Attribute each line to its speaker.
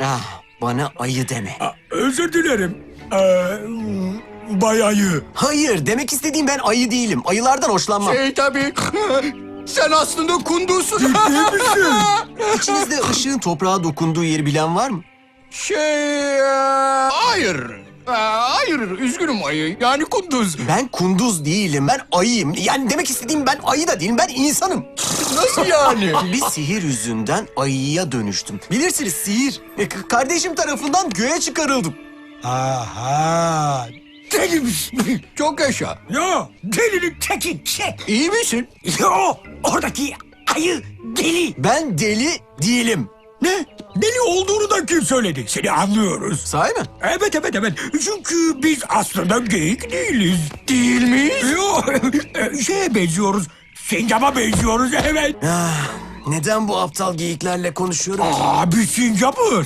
Speaker 1: Ah, bana ayı deme.
Speaker 2: Özür dilerim. Bay Ayı.
Speaker 1: Hayır, demek istediğim ben ayı değilim. Ayılardan hoşlanmam.
Speaker 3: Tabii. Sen aslında kunduzsun.
Speaker 2: İyi misin?
Speaker 1: İçinizde ışığın toprağa dokunduğu yeri bilen var mı?
Speaker 3: Hayır. Hayır, üzgünüm ayı. Yani kunduz.
Speaker 1: Ben kunduz değilim, ben ayıyım. Yani demek istediğim ben ayı da değilim, ben insanım.
Speaker 3: Nasıl yani?
Speaker 1: Bir sihir yüzünden ayıya dönüştüm. Bilirsiniz sihir. Kardeşim tarafından göğe çıkarıldım.
Speaker 2: Aha. Deli misin?
Speaker 3: Çok yaşa.
Speaker 2: Yo, delinin teki çek.
Speaker 3: İyi misin?
Speaker 2: Yo, oradaki ayı deli.
Speaker 1: Ben deli değilim.
Speaker 2: Ne? Deli olduğunu da kim söyledi? Seni anlıyoruz.
Speaker 1: Sahi mi?
Speaker 2: Evet. Çünkü biz aslında geyik değiliz.
Speaker 3: Değil miyiz?
Speaker 2: Yo, şeye benziyoruz. Sincaba benziyoruz, evet.
Speaker 1: Ah, neden bu aptal geyiklerle konuşuyorum ki?
Speaker 2: Abi sincapız.